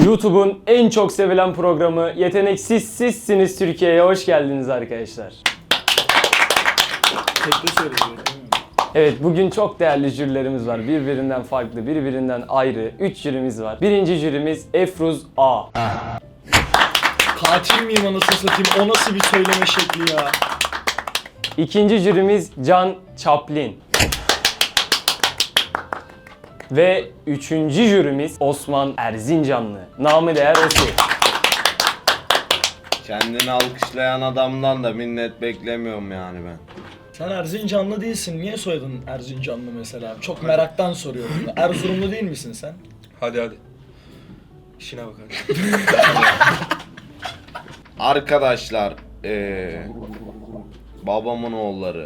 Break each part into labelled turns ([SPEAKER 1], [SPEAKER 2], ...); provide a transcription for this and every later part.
[SPEAKER 1] YouTube'un en çok sevilen programı Yeteneksiz Sizsiniz Türkiye'ye hoş geldiniz arkadaşlar.
[SPEAKER 2] Tekte söyleyeceğim.
[SPEAKER 1] Evet, bugün çok değerli jürilerimiz var. Birbirinden farklı, birbirinden ayrı 3 jürimiz var. Birinci jürimiz Efruz A.
[SPEAKER 2] Katil miyim anasını satayım? O nasıl bir söyleme şekli ya?
[SPEAKER 1] İkinci jürimiz Can Chaplin. Ve üçüncü jürimiz Osman Erzincanlı. Namı değer Osi.
[SPEAKER 3] Kendini alkışlayan adamdan da minnet beklemiyorum yani ben.
[SPEAKER 2] Sen Erzincanlı değilsin. Niye soyadın Erzincanlı mesela? Çok meraktan soruyorum. Erzurumlu değil misin sen?
[SPEAKER 4] Hadi. İşine bak hadi.
[SPEAKER 3] Arkadaşlar, babamın oğulları.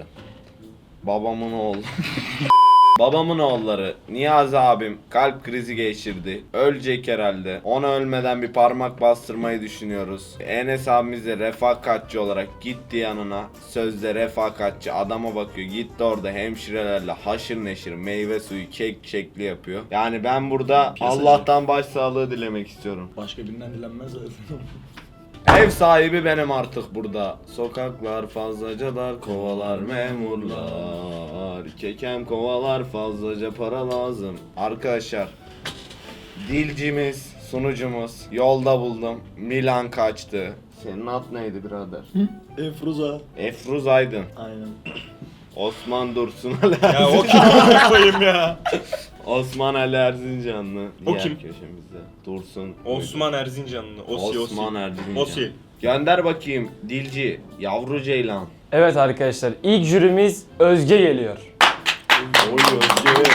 [SPEAKER 3] Babamın oğulları Niyazi abim kalp krizi geçirdi. Ölecek herhalde. Ona ölmeden bir parmak bastırmayı düşünüyoruz. Enes abimiz de refakatçi olarak gitti yanına. Sözde refakatçi adama bakıyor. Gitti orada hemşirelerle haşır neşir meyve suyu kek şekli yapıyor. Yani ben burada
[SPEAKER 2] Piyasacı.
[SPEAKER 3] Allah'tan başsağlığı dilemek istiyorum.
[SPEAKER 2] Başka birinden dilenmez zaten.
[SPEAKER 3] Ev sahibi benim artık burada. Sokaklar fazlaca dar, kovalar memurlar. Kekem kovalar fazlaca para lazım. Arkadaşlar, dilcimiz, sunucumuz yolda buldum. Milan kaçtı. Senin ad neydi birader?
[SPEAKER 2] Efruza.
[SPEAKER 3] Efruz Aydın.
[SPEAKER 2] Aynen.
[SPEAKER 3] Osman Dursun
[SPEAKER 4] Ya o kim koyayım ya?
[SPEAKER 3] Osman Ali Erzincanlı.
[SPEAKER 4] O
[SPEAKER 3] Diğer
[SPEAKER 4] kim?
[SPEAKER 3] köşemizde. Dursun.
[SPEAKER 4] Osman Erzincanlı.
[SPEAKER 3] Osman Erzincanlı.
[SPEAKER 4] Osi.
[SPEAKER 3] Gönder bakayım dilci, yavru ceylan.
[SPEAKER 1] Evet arkadaşlar, ilk jürimiz Özge geliyor.
[SPEAKER 3] Oy Özge.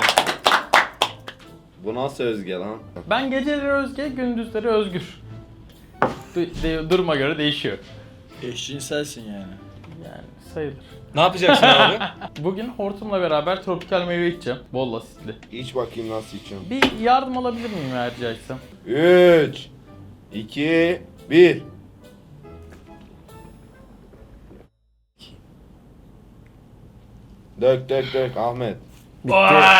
[SPEAKER 3] Bu nasıl Özge lan?
[SPEAKER 5] Ben geceleri Özge, gündüzleri Özgür. Duruma göre değişiyor.
[SPEAKER 2] Eşcinselsin yani.
[SPEAKER 5] Yani sayılır.
[SPEAKER 4] Ne yapacaksın abi?
[SPEAKER 5] Bugün hortumla beraber tropikal meyve içeceğim. Bol asitli.
[SPEAKER 3] İç bakayım nasıl içiyorum.
[SPEAKER 5] Bir yardım alabilir miyim eğer rica etsem?
[SPEAKER 3] 3 2 1 Dök Ahmet.
[SPEAKER 1] Bitti.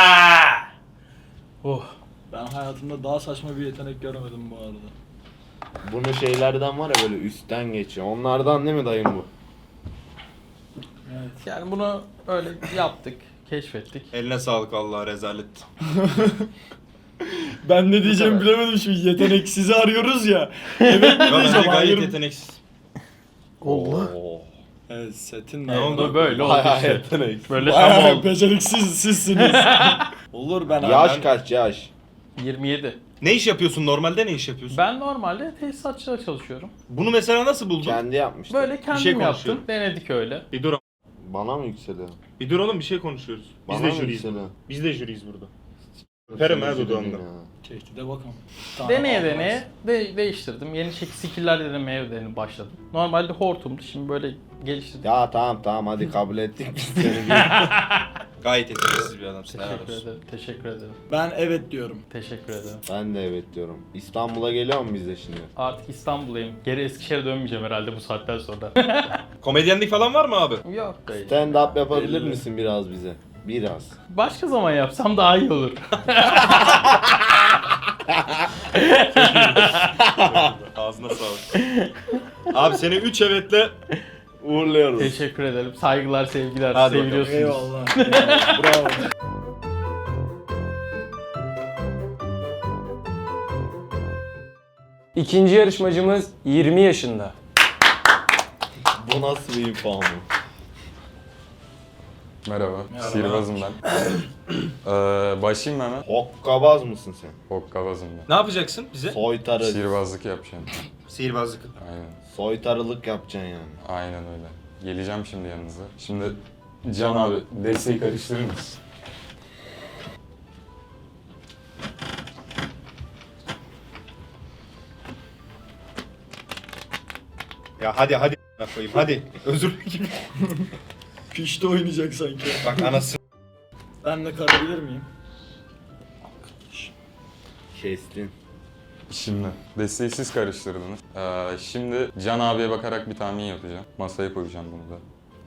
[SPEAKER 5] Oh.
[SPEAKER 2] Ben hayatımda daha saçma bir yetenek görmedim bu arada.
[SPEAKER 3] Bunu şeylerden var ya böyle üstten geçiyor. Onlardan değil mi dayım bu?
[SPEAKER 2] Evet.
[SPEAKER 5] Yani bunu öyle yaptık, keşfettik.
[SPEAKER 4] Eline sağlık vallahi rezalet.
[SPEAKER 2] Ben ne diyeceğimi bilemedim şimdi. Yeteneksizi arıyoruz ya. Evet mi
[SPEAKER 4] Ya bence
[SPEAKER 2] diyeceğim?
[SPEAKER 4] gayet
[SPEAKER 2] Hayır.
[SPEAKER 4] yeteneksiz.
[SPEAKER 3] Oo.
[SPEAKER 2] Evet setin
[SPEAKER 5] Ne oldu böyle oldu
[SPEAKER 3] Bayağı
[SPEAKER 5] işte.
[SPEAKER 3] yetenek.
[SPEAKER 5] Böyle tam
[SPEAKER 2] Bayağı
[SPEAKER 5] oldu.
[SPEAKER 2] beceriksiz sizsiniz. Olur ben
[SPEAKER 3] Yaş kaç yaş?
[SPEAKER 5] 27.
[SPEAKER 4] Ne iş yapıyorsun? Normalde ne iş yapıyorsun?
[SPEAKER 5] Ben normalde tesisatçıda çalışıyorum.
[SPEAKER 4] Bunu mesela nasıl buldun?
[SPEAKER 3] Kendi yapmıştı.
[SPEAKER 5] Böyle kendim
[SPEAKER 4] şey
[SPEAKER 5] yaptım,
[SPEAKER 4] konuşuyorum.
[SPEAKER 5] denedik öyle.
[SPEAKER 4] Bir dur.
[SPEAKER 3] Bana mı yükseliyor?
[SPEAKER 4] Bir dur oğlum bir şey konuşuyoruz. Biz
[SPEAKER 3] Bana
[SPEAKER 4] de
[SPEAKER 3] mı
[SPEAKER 4] jüriyiz.
[SPEAKER 3] yükseliyor?
[SPEAKER 4] Biz de jüriyiz burada. Öperim ha
[SPEAKER 3] Üzüldüm
[SPEAKER 4] dudağımda.
[SPEAKER 3] ya.
[SPEAKER 2] Tehdide bakalım.
[SPEAKER 5] Deneye deneye değiştirdim. Yeni skill'ler denemeye başladım. Normalde hortumdu, şimdi böyle geliştirdim.
[SPEAKER 3] Ya tamam hadi kabul ettik biz seni.
[SPEAKER 4] Gayet yeteneksiz bir adamsın. helal
[SPEAKER 5] Teşekkür
[SPEAKER 4] olsun.
[SPEAKER 5] ederim, teşekkür ederim.
[SPEAKER 2] Ben evet diyorum.
[SPEAKER 5] Teşekkür ederim.
[SPEAKER 3] Ben de evet diyorum. İstanbul'a geliyor mu biz de şimdi?
[SPEAKER 5] Artık İstanbul'dayım. Geri Eskişehir'e dönmeyeceğim herhalde bu saatten sonra.
[SPEAKER 4] Komedyenlik falan var mı abi?
[SPEAKER 5] Yok dayı.
[SPEAKER 3] Stand up yapabilir misin biraz bize? Biraz.
[SPEAKER 5] Başka zaman yapsam daha iyi olur.
[SPEAKER 4] Ağzına sağlık. Abi seni 3 evetle
[SPEAKER 3] Uğurluyoruz.
[SPEAKER 5] Teşekkür ederim. Saygılar, sevgiler.
[SPEAKER 4] Hadi bakalım.
[SPEAKER 5] Seviliyorsunuz.
[SPEAKER 2] Eyvallah. Eyvallah. Bravo.
[SPEAKER 1] İkinci yarışmacımız 20 yaşında.
[SPEAKER 3] Bu nasıl bir info mu?
[SPEAKER 6] Merhaba, sihirbazım ben. Başlayayım mı hemen?
[SPEAKER 3] Hokkabaz mısın sen?
[SPEAKER 6] Hokkabazım ben.
[SPEAKER 4] ne yapacaksın bize?
[SPEAKER 3] Soytarı.
[SPEAKER 6] Sihirbazlık yapacağım.
[SPEAKER 4] Sihirbazlık.
[SPEAKER 6] Aynen,
[SPEAKER 3] Soytarılık yapacaksın yani.
[SPEAKER 6] aynen öyle. Geleceğim şimdi yanınıza. Şimdi Can abi, desteği karıştırır mısın?
[SPEAKER 4] Ya hadi koyayım hadi. Özür dilerim.
[SPEAKER 2] Pişti oynayacak sanki.
[SPEAKER 4] Bak anası.
[SPEAKER 2] Ben de karabilir miyim?
[SPEAKER 3] Kestin.
[SPEAKER 6] Şimdi desteği siz karıştırdınız. Şimdi Can abiye bakarak bir tahmin yapacağım. Masaya koyacağım bunu da.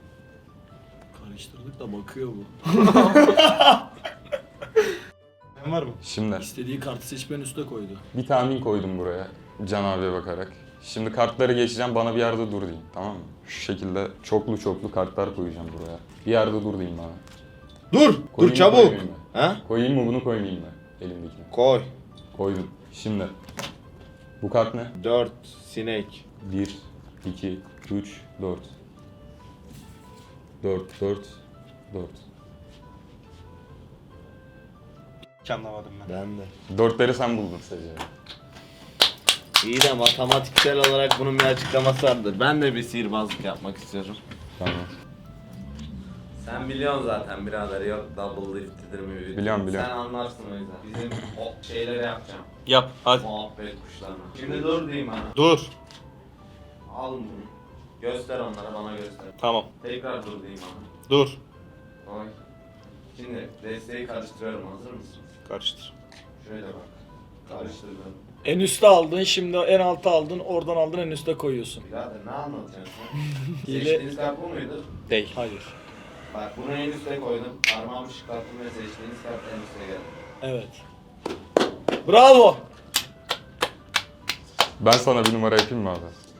[SPEAKER 2] Karıştırdık da bakıyor bu.
[SPEAKER 4] var mı?
[SPEAKER 6] Şimdi
[SPEAKER 2] İstediği kartı seçip en üste koydu.
[SPEAKER 6] bir tahmin koydum buraya Can abiye bakarak. Şimdi kartları geçeceğim, bana bir yerde dur deyin, tamam mı? Şu şekilde çoklu kartlar koyacağım buraya. Bir yerde dur deyin bana.
[SPEAKER 3] Dur!
[SPEAKER 6] Koyayım
[SPEAKER 3] Dur
[SPEAKER 6] mı,
[SPEAKER 3] çabuk!
[SPEAKER 6] koymayayım mı?
[SPEAKER 3] Ha?
[SPEAKER 6] Koyayım mı bunu, koymayayım mı? Elimdekini.
[SPEAKER 3] Koy.
[SPEAKER 6] Koydum. Şimdi. Bu kart ne?
[SPEAKER 3] 4 sinek.
[SPEAKER 6] 1, 2, 3, 4. 4, 4, 4.
[SPEAKER 4] Hiç anlamadım ben.
[SPEAKER 3] Ben de.
[SPEAKER 6] Dörtleri sen buldun sadece.
[SPEAKER 3] İyi de matematiksel olarak bunun bir açıklaması vardır. Ben de bir sihirbazlık yapmak istiyorum.
[SPEAKER 6] Tamam.
[SPEAKER 3] Sen biliyorsun zaten birader, yok double lift'idir mi?
[SPEAKER 6] Biliyorum.
[SPEAKER 3] Sen anlarsın o yüzden. Bizim o şeyleri yapacağım.
[SPEAKER 4] Yap hadi.
[SPEAKER 3] Muhabbet kuşlarına. Şimdi dur diyeyim bana.
[SPEAKER 4] Dur.
[SPEAKER 3] Al bunu. Göster onlara, bana göster.
[SPEAKER 4] Tamam.
[SPEAKER 3] Tekrar dur diyeyim bana.
[SPEAKER 4] Dur.
[SPEAKER 3] Oy. Şimdi desteği karıştırıyorum, hazır mısınız?
[SPEAKER 4] Karıştır.
[SPEAKER 3] Şöyle bak. Karıştırdım.
[SPEAKER 2] En üste aldın, şimdi en alta aldın, oradan aldın en üste koyuyorsun.
[SPEAKER 3] Birader ne anlatıyorsun sen?
[SPEAKER 2] Hile-
[SPEAKER 3] Seçtiğiniz kart bu muydu?
[SPEAKER 4] Değil.
[SPEAKER 2] Hayır.
[SPEAKER 3] Bak bunu en üste koydum. Parmağımı şıklattım ve seçtiğiniz kart en üste geldi.
[SPEAKER 2] Evet. Bravo.
[SPEAKER 6] Ben sana bir numara yapayım mı abi?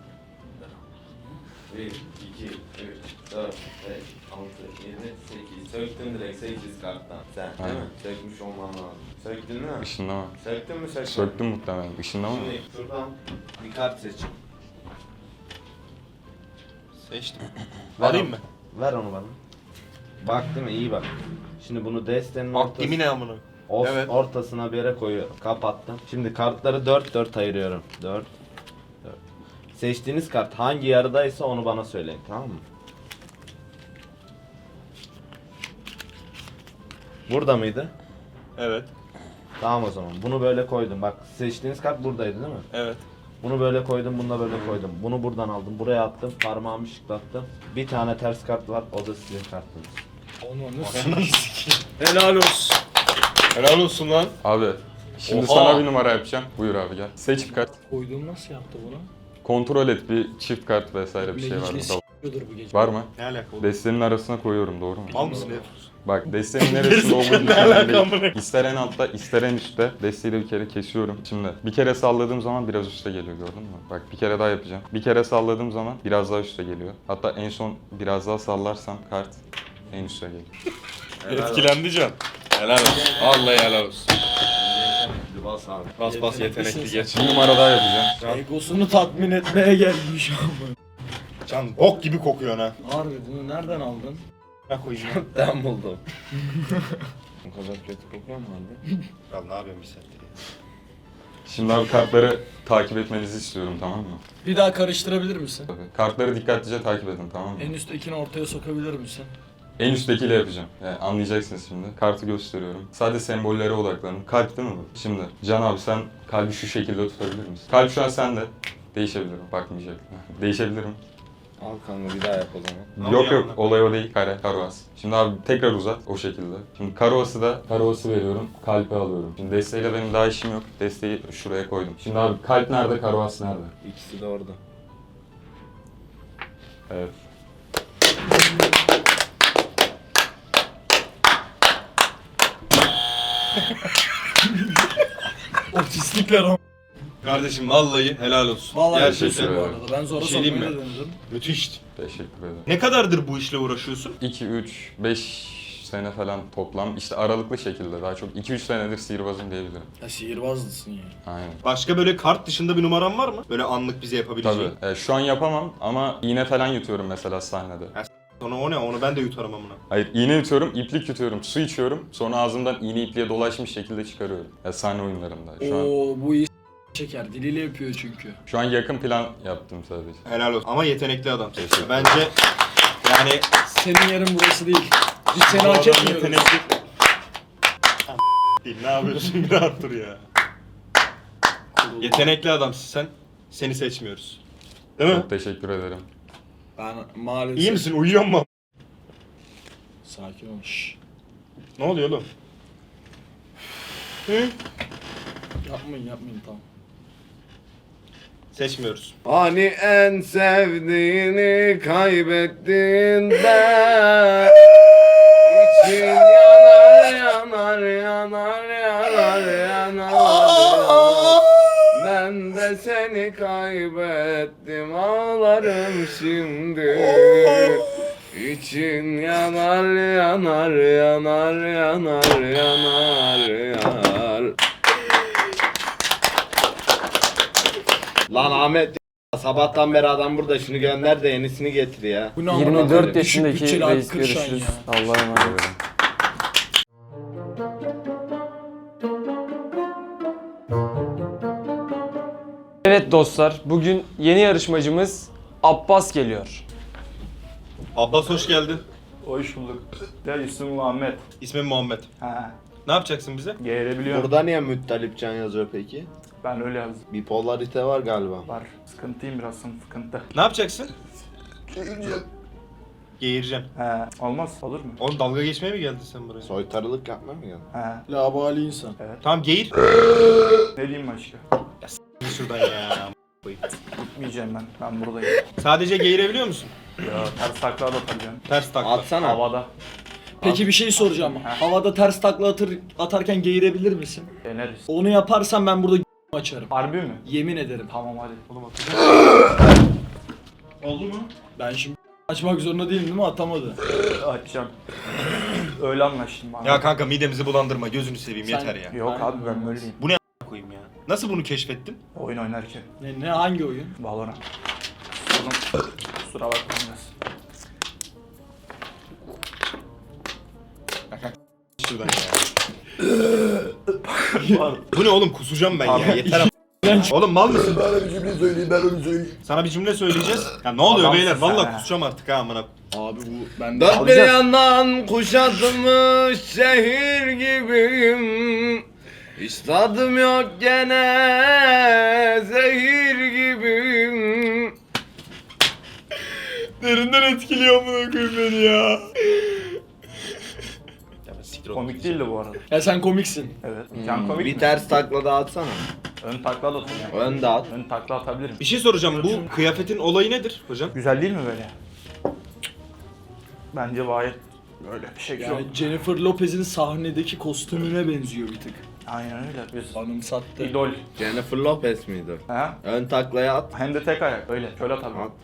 [SPEAKER 3] 1, 2, 3, 4, 5, 6, 7, 8. Söktün direkt 8 karttan. Sen değil
[SPEAKER 6] Aynen.
[SPEAKER 3] mi? Sökmüş olman lazım. Söktün değil mi?
[SPEAKER 6] Işınlama.
[SPEAKER 3] Söktün mü söktün?
[SPEAKER 6] Söktüm muhtemelen. Işınlama mı?
[SPEAKER 3] Şimdi şuradan bir kart seçin.
[SPEAKER 4] Seçtim.
[SPEAKER 3] Ver
[SPEAKER 4] Alayım
[SPEAKER 3] onu.
[SPEAKER 4] mı?
[SPEAKER 3] Ver onu bana. Bak değil mi? İyi bak. Şimdi bunu destenin
[SPEAKER 4] Bak yemin amına. Evet.
[SPEAKER 3] ortasına bir yere koyuyorum. Kapattım. Şimdi kartları 4 ayırıyorum. 4. Seçtiğiniz kart hangi yarıdaysa onu bana söyleyin, tamam mı? Burada mıydı?
[SPEAKER 4] Evet.
[SPEAKER 3] Tamam o zaman. Bunu böyle koydum. Bak seçtiğiniz kart buradaydı değil mi?
[SPEAKER 4] Evet.
[SPEAKER 3] Bunu böyle koydum, bunu da böyle koydum. Bunu buradan aldım, buraya attım, parmağımı şıklattım. Bir tane ters kart var, o da sizin kartınız.
[SPEAKER 2] Onu helal olsun.
[SPEAKER 4] Helal olsun lan.
[SPEAKER 6] Abi. Şimdi
[SPEAKER 4] Oha!
[SPEAKER 6] sana bir numara yapacağım. Buyur abi gel. Seç bir kart.
[SPEAKER 2] Koyduğum nasıl yaptı bunu?
[SPEAKER 6] Kontrol et, bir çift kart vesaire bir şey var mı?
[SPEAKER 2] Meclis bu gece.
[SPEAKER 6] Var mı?
[SPEAKER 4] Ne alaka oğlum?
[SPEAKER 6] Destenin arasına koyuyorum, doğru mu?
[SPEAKER 4] Mal mısın Efruz?
[SPEAKER 6] Bak destenin neresinde olduğunu
[SPEAKER 4] Ne alaka amına?
[SPEAKER 6] İster en altta, ister en üstte. Desteği de bir kere kesiyorum. Şimdi bir kere salladığım zaman biraz üste geliyor, gördün mü? Bak bir kere daha yapacağım. Bir kere salladığım zaman biraz daha üste geliyor. Hatta en son biraz daha sallarsam kart en üste geliyor.
[SPEAKER 4] Etkilendi Can. Helal olsun. Vallahi helal olsun.
[SPEAKER 3] Bas abi.
[SPEAKER 4] Bas bas yetenekli geç.
[SPEAKER 6] Bir numara daha yapacağım.
[SPEAKER 2] Egosunu tatmin etmeye gelmiş ama.
[SPEAKER 4] Can bok gibi kokuyor ha.
[SPEAKER 2] Harbi bunu nereden aldın?
[SPEAKER 4] Ne koyayım ya?
[SPEAKER 3] Ben buldum. O kadar kötü kokuyor mu abi?
[SPEAKER 4] Ya ne yapıyorsun bir saattir ya?
[SPEAKER 6] Şimdi abi kartları takip etmenizi istiyorum, tamam mı?
[SPEAKER 2] Bir daha karıştırabilir misin?
[SPEAKER 6] Tabii. Kartları dikkatlice takip edin, tamam mı?
[SPEAKER 2] En üsttekini ortaya sokabilir misin?
[SPEAKER 6] En üsttekiyle yapacağım. Yani anlayacaksınız şimdi. Kartı gösteriyorum. Sadece sembollere odaklanın. Kalp değil mi bu? Şimdi Can abi sen kalbi şu şekilde tutabilir misin? Kalp şu an sende. Değişebilirim. Bakmayacak. Değişebilirim.
[SPEAKER 3] Al kanka bir daha yap o zaman.
[SPEAKER 6] Yok yok, olay o değil. Karuas. Şimdi abi tekrar uzat o şekilde. Şimdi karuası veriyorum. Kalpi alıyorum. Şimdi desteğiyle benim daha işim yok. Desteği şuraya koydum. Şimdi abi kalp nerede, karuas nerede?
[SPEAKER 3] İkisi de orada.
[SPEAKER 6] Evet.
[SPEAKER 2] Otistikler ama.
[SPEAKER 4] Kardeşim vallahi helal olsun.
[SPEAKER 2] Vallahi
[SPEAKER 4] Gerçekten.
[SPEAKER 2] gerçekten bu
[SPEAKER 6] ederim.
[SPEAKER 2] arada. Ben zora
[SPEAKER 4] Bir şey diyeyim
[SPEAKER 2] sokmaya
[SPEAKER 4] mi?
[SPEAKER 2] denedim.
[SPEAKER 4] Müthişti.
[SPEAKER 6] Teşekkür ederim.
[SPEAKER 4] Ne kadardır bu işle uğraşıyorsun?
[SPEAKER 6] 2, 3, 5 sene falan toplam. İşte aralıklı şekilde daha çok. 2-3 senedir sihirbazım diyebilirim.
[SPEAKER 2] Ya sihirbazdısın ya.
[SPEAKER 6] Aynen.
[SPEAKER 4] Başka böyle kart dışında bir numaran var mı? Böyle anlık bize yapabileceğin.
[SPEAKER 6] Tabii. Şu an yapamam ama iğne falan yutuyorum mesela sahnede.
[SPEAKER 4] Sonra o ne? Onu ben de yutarım amına.
[SPEAKER 6] Hayır, iğne yutuyorum, iplik yutuyorum, su içiyorum. Sonra ağzımdan iğne ipliğe dolaşmış şekilde çıkarıyorum. Sahne oyunlarında.
[SPEAKER 2] Oo bu iyi çeker. Diliyle yapıyor çünkü.
[SPEAKER 6] Şu an yakın plan yaptım sadece.
[SPEAKER 4] Helal olsun. Ama yetenekli adam.
[SPEAKER 6] Teşekkür
[SPEAKER 4] Bence yani
[SPEAKER 2] Senin yerin burası değil. Biz seni
[SPEAKER 4] bu
[SPEAKER 2] hak
[SPEAKER 4] adam
[SPEAKER 2] etmiyoruz.
[SPEAKER 4] yetenekli. Değil, ne yapıyorsun? Bir rahat dur ya. Yetenekli adamsın sen. Seni seçmiyoruz. Değil mi?
[SPEAKER 6] Çok teşekkür ederim.
[SPEAKER 2] Ben maalesef...
[SPEAKER 4] İyi misin? Uyuyor mu?
[SPEAKER 2] Sakin ol. Şşş.
[SPEAKER 4] Ne oluyor oğlum? Hı?
[SPEAKER 2] Yapmayın tamam.
[SPEAKER 4] Seçmiyoruz.
[SPEAKER 3] Hani en sevdiğini kaybettiğinde için yanar yanar yanar yanar Ben de seni kaybettim, ağlarım şimdi. İçin yanar yanar yanar yanar yanar yanar. Lan Ahmet, sabahtan beri adam burada, şunu gönder de yenisini getir ya.
[SPEAKER 2] Bu ne amına koyayım?
[SPEAKER 1] 24
[SPEAKER 2] Düşük
[SPEAKER 1] yaşındaki
[SPEAKER 2] bütçeli
[SPEAKER 1] reis
[SPEAKER 2] Hakkı Şahin
[SPEAKER 1] görüşürüz.
[SPEAKER 2] ya.
[SPEAKER 1] Allah'a emanet. Evet dostlar, bugün yeni yarışmacımız Abbas geliyor.
[SPEAKER 4] Abbas hoş geldin.
[SPEAKER 5] Hoş bulduk. Ya ismim Muhammed.
[SPEAKER 4] İsmim Muhammed.
[SPEAKER 5] Ha,
[SPEAKER 4] Ne yapacaksın bize?
[SPEAKER 5] geğirebiliyorum.
[SPEAKER 3] Burada niye Müttalipcan yazıyor peki?
[SPEAKER 5] Ben öyle yazdım.
[SPEAKER 3] Bipolarite var galiba.
[SPEAKER 5] Var. Sıkıntıyım biraz sıkıntı.
[SPEAKER 4] Ne yapacaksın? Geğireceğim.
[SPEAKER 5] He, olmaz. Olur mu?
[SPEAKER 4] Oğlum dalga geçmeye mi geldin sen buraya?
[SPEAKER 3] Soytarılık yapma mı geldin?
[SPEAKER 5] He.
[SPEAKER 2] Labali insan.
[SPEAKER 4] Tamam geğir.
[SPEAKER 5] Ne diyeyim başka?
[SPEAKER 4] Gir şuradan ya.
[SPEAKER 5] Gitmeyeceğim ben. Ben buradayım.
[SPEAKER 4] Sadece geğirebiliyor musun?
[SPEAKER 5] Ya ters takla da atacağım.
[SPEAKER 4] Ters takla.
[SPEAKER 3] Atsana.
[SPEAKER 5] Havada.
[SPEAKER 2] Peki bir şey soracağım. Havada ters takla atarken geğirebilir misin?
[SPEAKER 5] Deneriz.
[SPEAKER 2] Onu yaparsan ben burada açarım.
[SPEAKER 5] Harbi mi?
[SPEAKER 2] Yemin ederim.
[SPEAKER 5] Tamam hadi.
[SPEAKER 4] Oğlum atacağım. Oldu mu?
[SPEAKER 2] Ben şimdi açmak zorunda değilim değil mi? Atamadı.
[SPEAKER 5] Açacağım. Öyle anlaştım bana.
[SPEAKER 4] Ya kanka midemizi bulandırma, gözünü seveyim,
[SPEAKER 2] Sen-
[SPEAKER 4] yeter ya.
[SPEAKER 5] Yok abi ben böyleyim.
[SPEAKER 4] Koyayım ya. Nasıl bunu keşfettin?
[SPEAKER 5] Oyun oynarken.
[SPEAKER 2] Ne hangi oyun?
[SPEAKER 5] Valorant. Oğlum kusura bakmayın biraz.
[SPEAKER 4] Şuradan ya. Bu ne oğlum, kusacağım ben ya, yeter ama. Oğlum mal mısın?
[SPEAKER 2] Bana bir cümle söyleyeyim, ben onu söyleyeyim.
[SPEAKER 4] Sana bir cümle söyleyeceğiz. Ya ne oluyor
[SPEAKER 5] Adamsın
[SPEAKER 4] beyler?
[SPEAKER 5] sen
[SPEAKER 4] Vallahi
[SPEAKER 5] ha.
[SPEAKER 4] kusacağım artık ha amına.
[SPEAKER 2] Abi bu bende
[SPEAKER 3] Dört bir
[SPEAKER 5] Alacağız.
[SPEAKER 3] yandan kuşatılmış şehir gibiyim. Hiç tadım yok gene zehir gibiyim.
[SPEAKER 4] Derinden etkiliyor amına koyayım beni ya. Ya ben siktir ol.
[SPEAKER 5] Komik değildi bu arada.
[SPEAKER 2] Ya sen komiksin.
[SPEAKER 5] Evet. Can komik
[SPEAKER 3] Bir
[SPEAKER 5] mi?
[SPEAKER 3] ters takla da atsana.
[SPEAKER 5] Ön takla da atacağım.
[SPEAKER 3] Ön de at.
[SPEAKER 5] Ön takla atabilirim.
[SPEAKER 4] Bir şey soracağım. Bu kıyafetin olayı nedir hocam?
[SPEAKER 5] Güzel değil mi böyle? Bence gayet böyle bir şey güzel.
[SPEAKER 2] Yani Jennifer Lopez'in sahnedeki kostümüne benziyor bir tık.
[SPEAKER 5] Aynen öyle. Biz
[SPEAKER 2] Anımsattı.
[SPEAKER 5] idol.
[SPEAKER 3] Jennifer Lopez miydi?
[SPEAKER 5] Ha?
[SPEAKER 3] Ön taklaya at.
[SPEAKER 5] Hem de tek ayak öyle. Şöyle tabii.
[SPEAKER 3] At.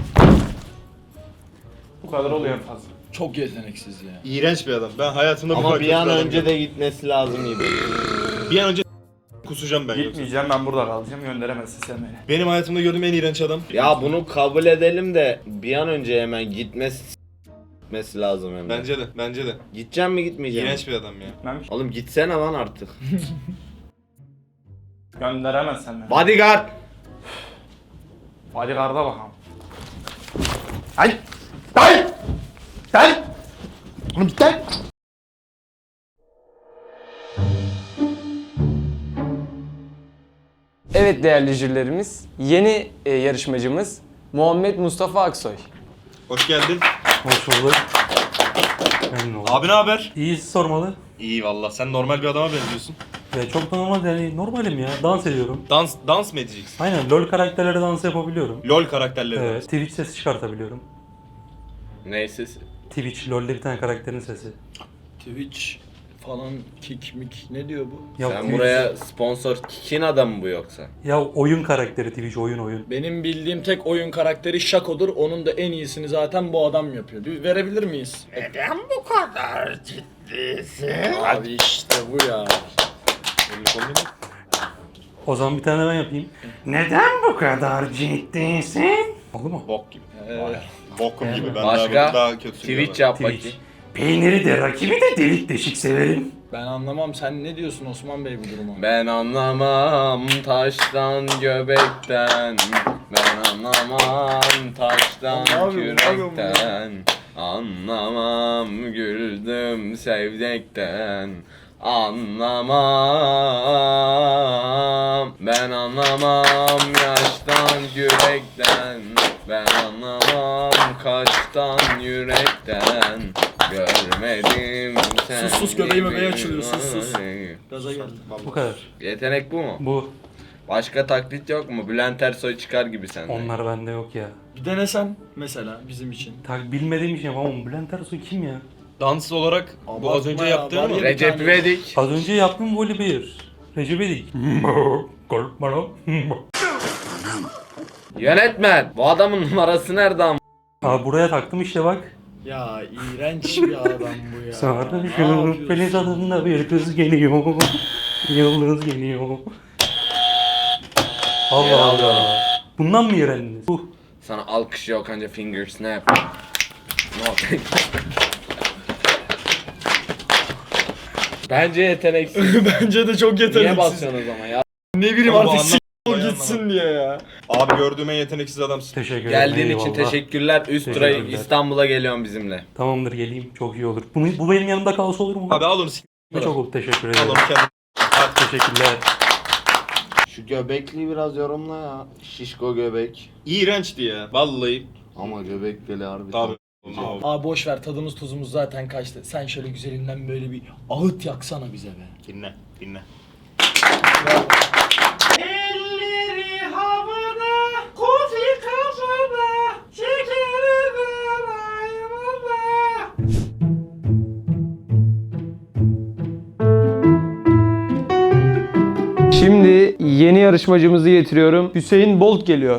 [SPEAKER 5] Bu kadar oluyor en fazla.
[SPEAKER 2] Çok yeteneksiz ya.
[SPEAKER 4] İğrenç bir adam. Ben hayatımda bu
[SPEAKER 3] Ama
[SPEAKER 4] kadar
[SPEAKER 3] bir
[SPEAKER 4] kötü
[SPEAKER 3] an
[SPEAKER 4] adam
[SPEAKER 3] önce
[SPEAKER 4] görmedim.
[SPEAKER 3] de gitmesi lazım gibi.
[SPEAKER 4] Bir an önce kusacağım ben yoksa.
[SPEAKER 5] Gitmeyeceğim ben burada kalacağım. Gönderemezsin sen beni.
[SPEAKER 4] Benim hayatımda gördüğüm en iğrenç adam.
[SPEAKER 3] Ya bunu kabul edelim de bir an önce hemen gitmesi lazım hemen.
[SPEAKER 4] Bence de. Bence de.
[SPEAKER 3] Gideceğim mi gitmeyeceğim mi?
[SPEAKER 4] İğrenç bir adam ya.
[SPEAKER 5] Gitmemiş.
[SPEAKER 3] Oğlum gitsene lan artık.
[SPEAKER 5] Gönderemezsen beni.
[SPEAKER 3] Bodyguard.
[SPEAKER 5] Bodyguard'a bakalım. Hadi. Hadi. Hadi. Oğlum git lan.
[SPEAKER 1] Evet değerli jürilerimiz, yeni yarışmacımız Muhammed Mustafa Aksoy.
[SPEAKER 4] Hoş geldin.
[SPEAKER 7] Hoş bulduk. Memnun oldum.
[SPEAKER 4] Abi ne haber?
[SPEAKER 7] İyi sormalı.
[SPEAKER 4] İyi valla. Sen normal bir adama benziyorsun.
[SPEAKER 7] Ve çok da normal yani normalim ya. Dans ediyorum.
[SPEAKER 4] Dans mı edeceksin?
[SPEAKER 7] Aynen LoL karakterleri dans yapabiliyorum.
[SPEAKER 4] LOL karakterleri.
[SPEAKER 7] Evet. Twitch sesi çıkartabiliyorum.
[SPEAKER 3] Neyse.
[SPEAKER 7] Twitch LoL'de bir tane karakterin sesi.
[SPEAKER 2] Twitch falan kick ne diyor bu?
[SPEAKER 7] Ya
[SPEAKER 3] Sen
[SPEAKER 7] Twitch-
[SPEAKER 3] buraya sponsor kikin adamı bu yoksa?
[SPEAKER 7] Ya oyun karakteri Twitch oyun.
[SPEAKER 2] Benim bildiğim tek oyun karakteri Shaco'dur. Onun da en iyisini zaten bu adam yapıyor. Bir verebilir miyiz?
[SPEAKER 3] Neden bu kadar ciddisin?
[SPEAKER 2] Abi işte bu ya.
[SPEAKER 7] O zaman bir tane ben yapayım. Neden bu kadar ciddisin? Oldu mu?
[SPEAKER 4] Bok gibi. Bokum gibi. Ben
[SPEAKER 3] Başka?
[SPEAKER 4] daha kötü
[SPEAKER 3] Twitch yap
[SPEAKER 7] Twitch.
[SPEAKER 3] bakayım.
[SPEAKER 7] Peyniri de rakibi de delik deşik severim.
[SPEAKER 2] Ben anlamam. Sen ne diyorsun Osman Bey bu duruma?
[SPEAKER 3] Ben anlamam taştan göbekten. Ben anlamam taştan
[SPEAKER 2] Ne yapıyorsun, ne yapıyorsun
[SPEAKER 3] kürekten. Anlamam güldüm sevdekten. Anlamam. Ben anlamam yaştan yürekten. Ben anlamam kaçtan yürekten. Görmedim sen.
[SPEAKER 2] Sus, göbeğim
[SPEAKER 3] gibi.
[SPEAKER 2] öbeği açılıyor, sus. Gaza geldi.
[SPEAKER 7] Bu kadar.
[SPEAKER 3] Yetenek bu mu?
[SPEAKER 7] Bu.
[SPEAKER 3] Başka taklit yok mu? Bülent Ersoy çıkar gibi sende.
[SPEAKER 7] Onlar bende yok ya.
[SPEAKER 2] Bir denesen mesela bizim için.
[SPEAKER 7] Bilmediğim şey yapamam. Bülent Ersoy kim ya?
[SPEAKER 4] Dans olarak bu
[SPEAKER 2] Abartma
[SPEAKER 4] az önce
[SPEAKER 2] ya,
[SPEAKER 4] yaptığın
[SPEAKER 2] var
[SPEAKER 4] mı?
[SPEAKER 2] ya.
[SPEAKER 3] Recep İvedik.
[SPEAKER 7] Az önce yaptım voli bir. Recep İvedik. Korkma lan.
[SPEAKER 3] Yönetmen, bu adamın numarası nerede ama?
[SPEAKER 7] Abi buraya taktım işte bak.
[SPEAKER 2] Ya iğrenç bir adam bu ya.
[SPEAKER 7] Sarışın Filiz adında bir kız geliyor. Yıldız geliyor. Allah Allah. Bundan mı öğrendiniz?
[SPEAKER 3] Sana alkış yok anca finger snap. No. Bence yeteneksiz.
[SPEAKER 2] Bence de çok
[SPEAKER 3] Niye
[SPEAKER 2] yeteneksiz.
[SPEAKER 3] basıyorsunuz ama ya?
[SPEAKER 2] Ne bileyim
[SPEAKER 4] Ama
[SPEAKER 2] artık
[SPEAKER 4] anlamadım.
[SPEAKER 2] gitsin diye ya.
[SPEAKER 4] Abi gördüğüm en yeteneksiz adamsın.
[SPEAKER 7] Teşekkür ederim.
[SPEAKER 3] Geldiğin için
[SPEAKER 7] eyvallah.
[SPEAKER 3] teşekkürler. Üst tura
[SPEAKER 7] Teşekkürler.
[SPEAKER 3] İstanbul'a geliyorum bizimle.
[SPEAKER 7] Tamamdır geleyim çok iyi olur. Bu benim yanımda kalsa olur mu?
[SPEAKER 4] Abi al onu
[SPEAKER 7] Çok olur teşekkür
[SPEAKER 4] Al
[SPEAKER 7] ederim.
[SPEAKER 4] onu kendin.
[SPEAKER 7] Teşekkürler.
[SPEAKER 3] Şu göbekliği biraz yorumla ya. Şişko göbek.
[SPEAKER 4] İğrençti ya. Vallahi.
[SPEAKER 3] Ama göbek deli harbi.
[SPEAKER 4] Tabii.
[SPEAKER 2] Abi boş ver, tadımız tuzumuz zaten kaçtı. Sen şöyle güzelinden böyle bir ağıt yaksana bize be.
[SPEAKER 4] Dinle. Dinle.
[SPEAKER 1] Şimdi yeni yarışmacımızı getiriyorum. Hüseyin Bolt geliyor.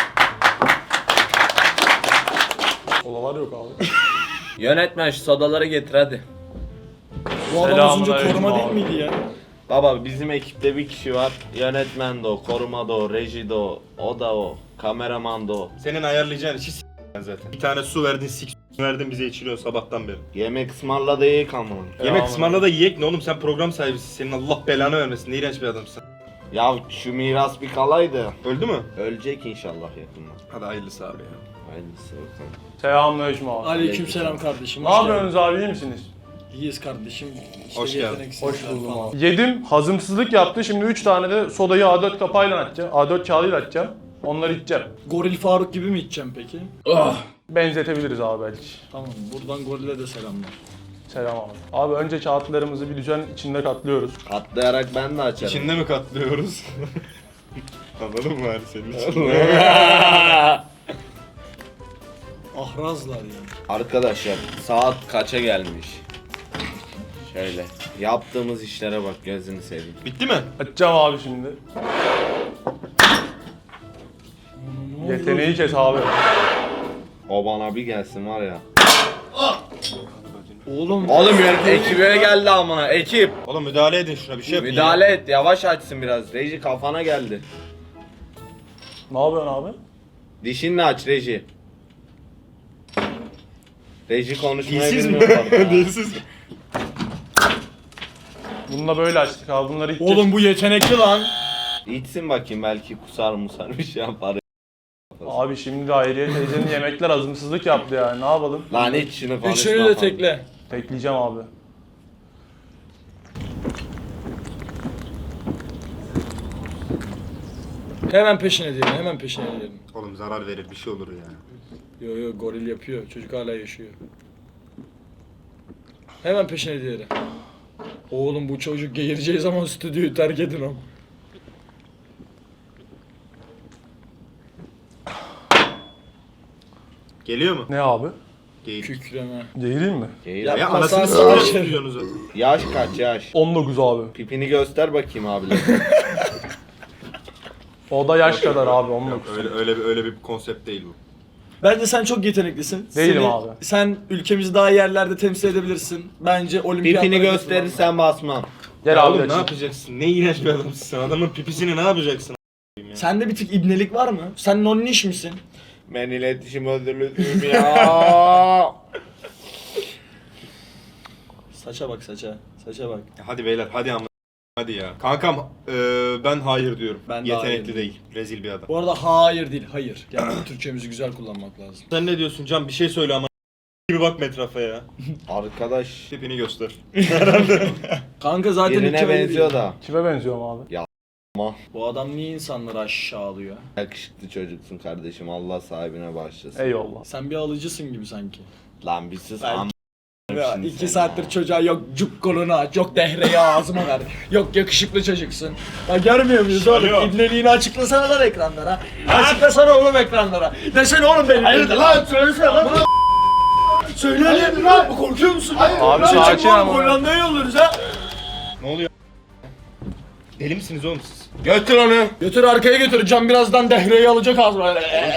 [SPEAKER 1] Olalar yok abi.
[SPEAKER 3] Yönetmen şu sodaları getir hadi.
[SPEAKER 2] Bu adam az önce
[SPEAKER 1] Selamünaleyküm
[SPEAKER 2] koruma değil
[SPEAKER 1] abi.
[SPEAKER 2] miydi ya?
[SPEAKER 3] Baba bizim ekipte bir kişi var. Yönetmen de o, koruma da o, reji de o da o, kameraman da o.
[SPEAKER 4] Senin ayarlayacağın işi zaten. Bir tane su verdin, verdin bize içiliyor sabahtan beri.
[SPEAKER 3] Yemek ısmarladı iyi kalmalı.
[SPEAKER 4] Yemek ısmarla da yiyek ne oğlum, sen program sahibisin. Senin Allah belanı vermesin. Ne iğrenç bir adamsın.
[SPEAKER 3] Ya şu miras bir kalaydı.
[SPEAKER 4] Öldü mü?
[SPEAKER 3] Ölecek inşallah yakında.
[SPEAKER 4] Hadi hayırlısı abi ya.
[SPEAKER 3] Hayırlısı bakalım.
[SPEAKER 1] Selamünaleyküm abi.
[SPEAKER 2] Aleykümselam kardeşim.
[SPEAKER 1] Ne yapıyorsunuz abi, iyi misiniz?
[SPEAKER 2] İyiyiz kardeşim. İşte
[SPEAKER 4] Hoş geldin.
[SPEAKER 2] yeteneksizler
[SPEAKER 1] Hoş buldum
[SPEAKER 2] falan.
[SPEAKER 1] abi. Yedim, hazımsızlık yaptı. Şimdi 3 tane de sodayı A4 kapağıyla açacağım. A4 kağıdıyla açacağım. Onları içeceğim.
[SPEAKER 2] Goril Faruk gibi mi içeceğim peki?
[SPEAKER 1] Benzetebiliriz abi belki.
[SPEAKER 2] Tamam, buradan gorile de selamlar.
[SPEAKER 1] Selam abi. Abi önce kağıtlarımızı bir düzen içinde katlıyoruz.
[SPEAKER 3] Atlayarak ben de açarım.
[SPEAKER 4] İçinde mi katlıyoruz? Anladın mı hani senin için?
[SPEAKER 2] Ahrazlar ya.
[SPEAKER 3] Arkadaşlar saat kaça gelmiş? Şöyle yaptığımız işlere bak, gözünü seveyim.
[SPEAKER 4] Bitti mi?
[SPEAKER 1] Açacağım abi şimdi. Yeteneği kes abi.
[SPEAKER 3] O bana bir gelsin var ya.
[SPEAKER 2] Oğlum.
[SPEAKER 3] Oğlum ekibe geldi amına, ekip.
[SPEAKER 4] Oğlum müdahale edin şuna, bir şey yapın.
[SPEAKER 3] Müdahale et, yavaş açsın biraz. Reji kafana geldi.
[SPEAKER 1] Ne yapıyorsun abi?
[SPEAKER 3] Dişinle aç Reji. Reji konuşmayı
[SPEAKER 4] Dilsiz mi?
[SPEAKER 3] bilmiyor bak ya.
[SPEAKER 4] Dilsiz mi?
[SPEAKER 1] Bununla böyle açtık abi. Bunları içeceğiz.
[SPEAKER 2] Oğlum bu yetenekli lan.
[SPEAKER 3] İçsin bakayım, belki kusar musar bir şey yapar.
[SPEAKER 1] Abi şimdi de Hayriye teyzenin yemekler hazımsızlık yaptı yani. Ne yapalım?
[SPEAKER 3] Lan iç şunu konuşma.
[SPEAKER 2] Üçünü de
[SPEAKER 3] falan.
[SPEAKER 2] tekle.
[SPEAKER 1] Tekleyeceğim abi.
[SPEAKER 2] Hemen peşine diyelim, hemen peşine diyelim.
[SPEAKER 4] Oğlum zarar verir, bir şey olur ya.
[SPEAKER 2] Yo yo, goril yapıyor. Çocuk hala yaşıyor. Hemen peşine diyelim. Oğlum bu çocuk geğireceği zaman stüdyoyu terk edin ama.
[SPEAKER 4] Geliyor mu?
[SPEAKER 1] Ne abi?
[SPEAKER 4] Geyik.
[SPEAKER 2] Kükreme.
[SPEAKER 1] Değireyim mi?
[SPEAKER 3] Değil.
[SPEAKER 2] Ya-
[SPEAKER 4] Ya
[SPEAKER 2] Masal
[SPEAKER 4] anasını
[SPEAKER 2] savaşı.
[SPEAKER 4] sıkıntı diyorsunuz zaten.
[SPEAKER 3] Yaş kaç yaş?
[SPEAKER 1] 19 abi.
[SPEAKER 3] Pipini göster bakayım abiler.
[SPEAKER 1] O da yaş kadar abi 19.
[SPEAKER 4] Öyle bir konsept değil bu.
[SPEAKER 2] Bence sen çok yeteneklisin.
[SPEAKER 1] Değilim abi.
[SPEAKER 2] Sen ülkemizi daha iyi yerlerde temsil edebilirsin. Bence olimpiyatlara
[SPEAKER 3] Pipini
[SPEAKER 2] katılman.
[SPEAKER 3] gösterirsen basmam.
[SPEAKER 1] Gel
[SPEAKER 4] Ya
[SPEAKER 1] abi
[SPEAKER 4] oğlum ne
[SPEAKER 1] açayım.
[SPEAKER 4] yapacaksın? Ne iğrenç bir adamsın sen. Adamın pipisini ne yapacaksın?
[SPEAKER 2] Sende bir tık ibnelik var mı? Sen nonniş misin?
[SPEAKER 3] Ben iletişim özürlüyüm ya.
[SPEAKER 2] Saça bak saça. Saça bak.
[SPEAKER 4] Hadi beyler hadi ama. Hadi ya. Kankam ben hayır diyorum.
[SPEAKER 2] Ben de
[SPEAKER 4] Yetenekli
[SPEAKER 2] hayır.
[SPEAKER 4] değil. Rezil bir adam.
[SPEAKER 2] Bu arada hayır değil, hayır. Yani Türkçemizi güzel kullanmak lazım.
[SPEAKER 4] Sen ne diyorsun Can? Bir şey söyle ama. Gibi bakma etrafa ya.
[SPEAKER 3] Arkadaş
[SPEAKER 4] Tipini göster.
[SPEAKER 2] Kanka zaten
[SPEAKER 3] birine
[SPEAKER 2] ülke belli
[SPEAKER 3] benziyor
[SPEAKER 2] değil.
[SPEAKER 3] da.
[SPEAKER 1] Kime benziyorum abi?
[SPEAKER 2] Bu adam niye insanları aşağılıyor?
[SPEAKER 3] Yakışıklı çocuksun kardeşim, Allah sahibine bağışlasın.
[SPEAKER 1] Eyvallah.
[SPEAKER 2] Sen bir alıcısın gibi sanki.
[SPEAKER 3] Lan bir sus
[SPEAKER 2] Ben-
[SPEAKER 3] am.
[SPEAKER 2] Ya,
[SPEAKER 3] Şimdi
[SPEAKER 2] 2
[SPEAKER 3] sen
[SPEAKER 2] saattir
[SPEAKER 3] ya.
[SPEAKER 2] çocuğa yok cuk kolunu aç, yok dehreyi ağzıma ver, yok yakışıklı çocuksun. Ya görmüyor muyuz oğlum?
[SPEAKER 4] Alo.
[SPEAKER 2] İbneliğini açıklasana lan ekranlara. Açıklasana oğlum ekranlara. Desene oğlum benim. Hayırdır lan? Söylesene lan. Söyleyelim lan. Korkuyor musun?
[SPEAKER 1] Abi sakin ama.
[SPEAKER 2] Hollanda'ya yolluyoruz ha.
[SPEAKER 4] Ne oluyor? Deli misiniz oğlum siz?
[SPEAKER 3] Götür onu.
[SPEAKER 2] Götür arkaya götür. Can birazdan dehreyi alacak ağzına.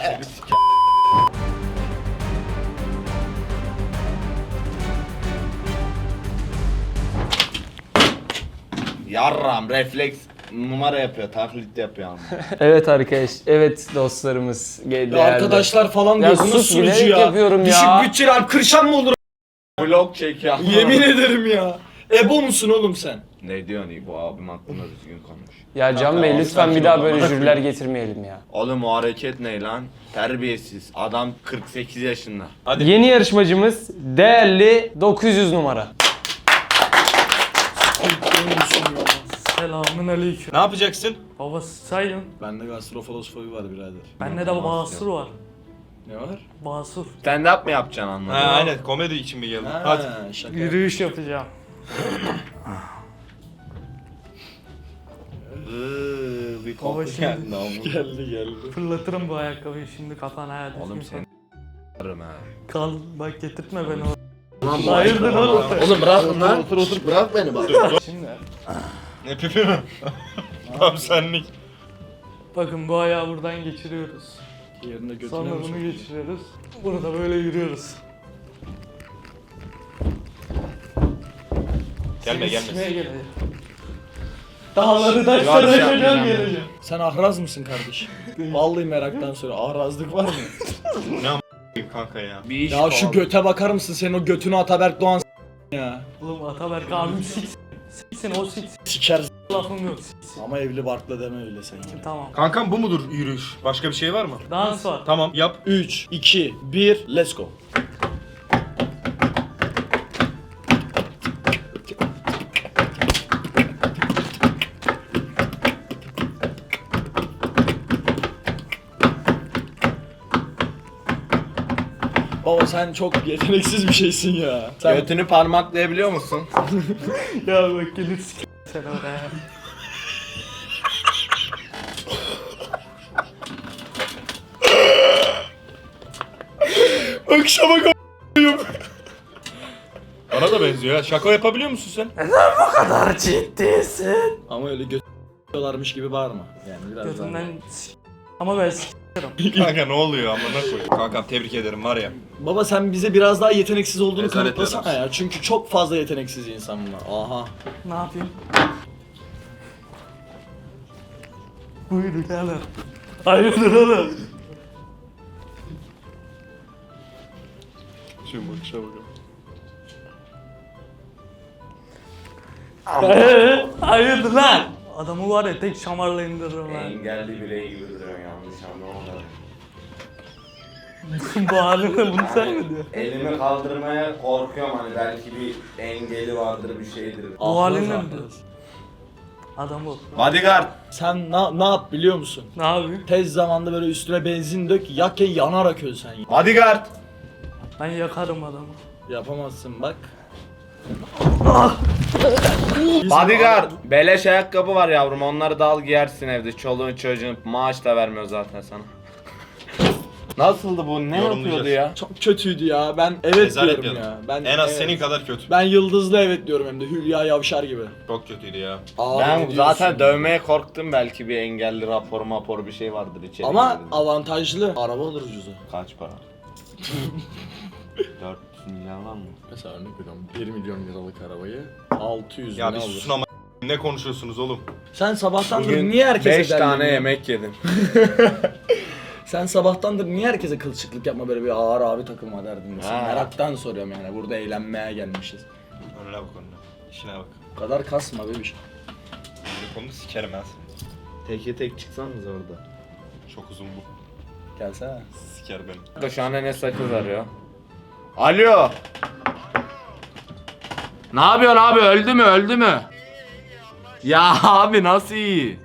[SPEAKER 3] Yarram refleks numara yapıyor, taklit yapıyor ama.
[SPEAKER 1] Evet arkadaş, evet dostlarımız. Değerli.
[SPEAKER 2] Arkadaşlar falan
[SPEAKER 1] Ya
[SPEAKER 2] diyorsunuz
[SPEAKER 1] sus,
[SPEAKER 2] sunucu
[SPEAKER 1] bilerek
[SPEAKER 2] ya.
[SPEAKER 1] yapıyorum ya.
[SPEAKER 2] Düşük bütçeli Alp Kırşan mı olur?
[SPEAKER 3] Vlog çekiyor.
[SPEAKER 2] Yemin ederim ya. Ebo musun oğlum sen?
[SPEAKER 3] Ne diyorsun iyi, bu abim hakkında düzgün konuş.
[SPEAKER 1] Ya Can Bey lütfen bir daha böyle jüriler getirmeyelim ya.
[SPEAKER 3] Oğlum o hareket ne lan? Terbiyesiz. Adam 48 yaşında.
[SPEAKER 1] Yeni yarışmacımız değerli 900 numara.
[SPEAKER 7] Selamun aleyküm.
[SPEAKER 4] Ne yapacaksın?
[SPEAKER 7] Baba sayın.
[SPEAKER 2] Bende gastrofaloskopi var birader.
[SPEAKER 7] Bende de basur var.
[SPEAKER 2] Ne var?
[SPEAKER 7] Basur.
[SPEAKER 3] Stand up mı yapacaksın anladın?
[SPEAKER 4] Ha, aynen komedi için mi geldin? Hadi.
[SPEAKER 2] Şaka.
[SPEAKER 7] Yürüyüş yapacağım.
[SPEAKER 3] Bir
[SPEAKER 7] Baba
[SPEAKER 3] koku
[SPEAKER 7] şimdi-
[SPEAKER 3] geldi ama.
[SPEAKER 2] Geldi.
[SPEAKER 7] Fırlatırım bu ayakkabıyı şimdi kafana ha.
[SPEAKER 3] Oğlum seni s**arım ha.
[SPEAKER 7] Kal bak getirtme beni o.
[SPEAKER 3] Ulan
[SPEAKER 7] Hayırdır oğlum?
[SPEAKER 2] Oğlum bırak lan. Otur bırak beni bak.
[SPEAKER 7] Şimdi
[SPEAKER 4] Ne pipi mi? Tam senlik.
[SPEAKER 7] bakın bu ayağı buradan geçiriyoruz.
[SPEAKER 2] Yerine götüne
[SPEAKER 7] Sonra
[SPEAKER 2] mi
[SPEAKER 7] bunu geçiriyoruz. Burada böyle yürüyoruz.
[SPEAKER 4] Gelme
[SPEAKER 7] Seni sikmeye
[SPEAKER 4] gelme.
[SPEAKER 7] geleceğim. Dağları taşları
[SPEAKER 3] Yavaş
[SPEAKER 7] aşacağım
[SPEAKER 3] yapacağım.
[SPEAKER 7] geleceğim.
[SPEAKER 2] Sen ahraz mısın kardeşim? Vallahi meraktan sonra ahrazlık var mı?
[SPEAKER 4] Kanka ya.
[SPEAKER 3] Bir iş
[SPEAKER 2] Ya şu
[SPEAKER 3] kovalım.
[SPEAKER 2] göte bakar mısın? Senin o götünü Ataberk Doğan ya.
[SPEAKER 7] Oğlum Ataberk abim siksin o siksin.
[SPEAKER 2] Siker
[SPEAKER 7] Lafım yok siksin.
[SPEAKER 2] ama evli barkla deme öyle sen.
[SPEAKER 7] Tamam.
[SPEAKER 4] Kankam bu mudur yürüyüş? Başka bir şey var mı?
[SPEAKER 7] Dans var.
[SPEAKER 4] Tamam yap.
[SPEAKER 2] 3, 2, 1, let's go. Baba sen çok yeteneksiz bir şeysin ya. Sen
[SPEAKER 3] Götünü parmaklayabiliyor musun?
[SPEAKER 7] Ya bak gelir siksin sen oraya.
[SPEAKER 2] akşama
[SPEAKER 4] Bana da benziyor ya. Şaka yapabiliyor musun sen?
[SPEAKER 7] kadar ciddisin.
[SPEAKER 2] Ama öyle götürüyorlarmış gibi bağırma. Yani biraz
[SPEAKER 7] Götünden ama ben
[SPEAKER 4] Kanka ne oluyor amına koyayım. Kankam tebrik ederim var ya.
[SPEAKER 2] Baba sen bize biraz daha yeteneksiz olduğunu
[SPEAKER 4] Rezalet
[SPEAKER 2] kanıtlasana
[SPEAKER 4] adamsın.
[SPEAKER 2] ya. Çünkü çok fazla yeteneksiz insan bunlar. Aha.
[SPEAKER 7] ne yapayım? Buyur birader. Hayırdır oğlum?
[SPEAKER 4] Şimdi bakışa bakalım.
[SPEAKER 7] Hayırdır lan? Adamı var ya tek şamarla indiririm lan.
[SPEAKER 3] Engelli birey gibi duruyorsun, yanlış anlama.
[SPEAKER 7] Bu haline bunu sen mi diyorsun?
[SPEAKER 3] Elimi kaldırmaya korkuyorum, hani belki bir engeli vardır, bir şeydir.
[SPEAKER 7] Bu haline mi diyorsun? Adam ol.
[SPEAKER 3] Bodyguard.
[SPEAKER 2] Sen ne yap biliyor musun?
[SPEAKER 7] Ne yapayım?
[SPEAKER 2] Tez zamanda böyle üstüne benzin dök, yak ya yanarak öl sen.
[SPEAKER 3] Bodyguard.
[SPEAKER 7] Ben yakarım adamı.
[SPEAKER 2] Yapamazsın bak.
[SPEAKER 3] Bodyguard. Beleş ayakkabı var yavrum, onları da al giyersin evde. Çoluğun çocuğun maaş da vermiyor zaten sana. Nasıldı bu? Ne
[SPEAKER 4] Yorumlayacağız.
[SPEAKER 3] yapıyordu ya?
[SPEAKER 2] Çok kötüydü ya. Ben evet
[SPEAKER 4] Rezalet
[SPEAKER 2] diyorum
[SPEAKER 4] bir
[SPEAKER 2] ya.
[SPEAKER 4] adam.
[SPEAKER 2] Ben
[SPEAKER 4] En az
[SPEAKER 2] evet.
[SPEAKER 4] senin kadar kötü.
[SPEAKER 2] Ben yıldızlı evet diyorum hem de Hülya Yavşar gibi.
[SPEAKER 4] Çok kötüydü ya.
[SPEAKER 2] Abi
[SPEAKER 3] Ben
[SPEAKER 2] ne
[SPEAKER 3] zaten
[SPEAKER 2] diyorsun?
[SPEAKER 3] dövmeye korktum, belki bir engelli rapor bir şey vardır içeri.
[SPEAKER 2] Ama
[SPEAKER 3] girdiğinde.
[SPEAKER 2] avantajlı. Araba olur ucuzu.
[SPEAKER 3] Kaç para? 400 milyon var mı?
[SPEAKER 2] Mesela örnek veriyorum 1 milyon liralık arabayı 600
[SPEAKER 4] Ya
[SPEAKER 2] bin
[SPEAKER 4] bir
[SPEAKER 2] alır.
[SPEAKER 4] susun ama ne konuşuyorsunuz oğlum?
[SPEAKER 2] Sen sabahtandır
[SPEAKER 3] Bugün
[SPEAKER 2] niye herkese
[SPEAKER 3] 5 tane
[SPEAKER 2] derleniyorsun?
[SPEAKER 3] yemek yedim.
[SPEAKER 2] Sen sabahtandır niye herkese kılçıklık yapma böyle bir ağır abi takılma derdin misin?
[SPEAKER 3] Ha.
[SPEAKER 2] Meraktan soruyorum yani burada eğlenmeye gelmişiz.
[SPEAKER 4] Önüne bak önüne. İşine bak.
[SPEAKER 2] Bu kadar kasma bebiş.
[SPEAKER 4] Bu konuda sikerim ben seni.
[SPEAKER 3] Teke tek çıksanız orada.
[SPEAKER 4] Çok uzun bu.
[SPEAKER 2] Gelsene.
[SPEAKER 4] Siker beni.
[SPEAKER 3] Şu an Enes sakız arıyor. Alo. Ne yapıyorsun abi, öldü mü? Ya abi nasıl iyi?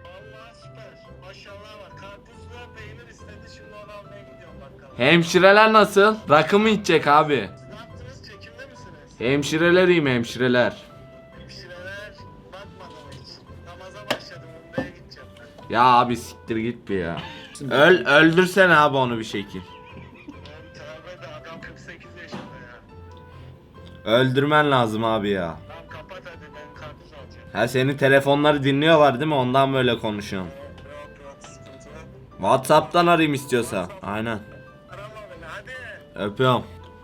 [SPEAKER 3] Hemşireler nasıl? Rakı mı içecek abi? Hemşireler iyi mi hemşireler? Ya abi siktir git bir ya. Öldürsene abi onu bir şekil.
[SPEAKER 8] Adam 48 yaşında ya.
[SPEAKER 3] Öldürmen lazım abi ya.
[SPEAKER 8] Tamam kapat hadi ben karpuz alacağım.
[SPEAKER 3] Ha senin telefonları dinliyorlar değil mi? Ondan böyle konuşuyorum. WhatsApp'tan arayayım istiyorsa. Aynen. Öpüyorum.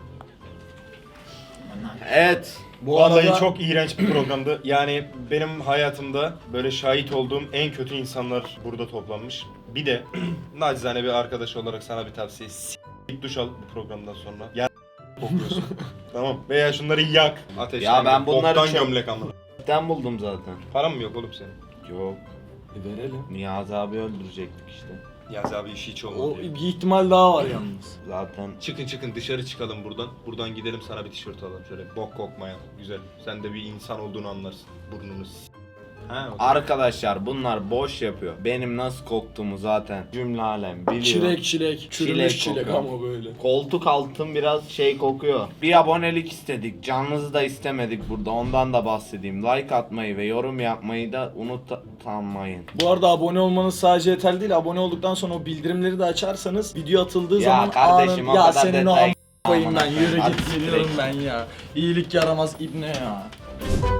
[SPEAKER 3] Evet.
[SPEAKER 4] Vallahi çok iğrenç bir programdı. Yani benim hayatımda böyle şahit olduğum en kötü insanlar burada toplanmış. Bir de nacizane bir arkadaş olarak sana bir tavsiye. S**k duş al bu programdan sonra. Ya kokuyorsun. Tamam. Veya şunları yak. Ateşten.
[SPEAKER 3] Ya ben bunları
[SPEAKER 4] boktan
[SPEAKER 3] çok-
[SPEAKER 4] gömlek amına.
[SPEAKER 3] Ben buldum zaten.
[SPEAKER 4] Param mı yok oğlum senin?
[SPEAKER 3] Yok.
[SPEAKER 2] Verelim.
[SPEAKER 3] Niyazi abi öldürecektik işte.
[SPEAKER 4] Yaz abi işi hiç olmadı.
[SPEAKER 2] O
[SPEAKER 4] ya.
[SPEAKER 2] bir ihtimal daha var yalnız.
[SPEAKER 3] Zaten
[SPEAKER 4] Çıkın dışarı çıkalım buradan. Buradan gidelim sana bir tişört alalım şöyle bok kokmayan. Güzel. Sen de bir insan olduğunu anlarsın. Burnunu Ha, o da-
[SPEAKER 3] arkadaşlar bunlar boş yapıyor. Benim nasıl koktuğumu zaten cümle alem biliyor.
[SPEAKER 2] Çilek. Çürümüş çilek
[SPEAKER 3] kokuyor.
[SPEAKER 2] ama böyle.
[SPEAKER 3] Koltuk altım biraz şey kokuyor. Bir abonelik istedik. Canınızı da istemedik burada. Ondan da bahsedeyim. Like atmayı ve yorum yapmayı da unutmayın.
[SPEAKER 2] Bu arada abone olmanız sadece yeterli değil. Abone olduktan sonra o bildirimleri de açarsanız video atıldığı
[SPEAKER 3] Ya
[SPEAKER 2] zaman
[SPEAKER 3] kardeşim, o
[SPEAKER 2] ya
[SPEAKER 3] kadar
[SPEAKER 2] senin o
[SPEAKER 3] detay-
[SPEAKER 2] koyayım ben
[SPEAKER 3] Amına
[SPEAKER 2] yürü
[SPEAKER 3] koyayım.
[SPEAKER 2] git geliyorum ben ya. İyilik yaramaz ibne ya.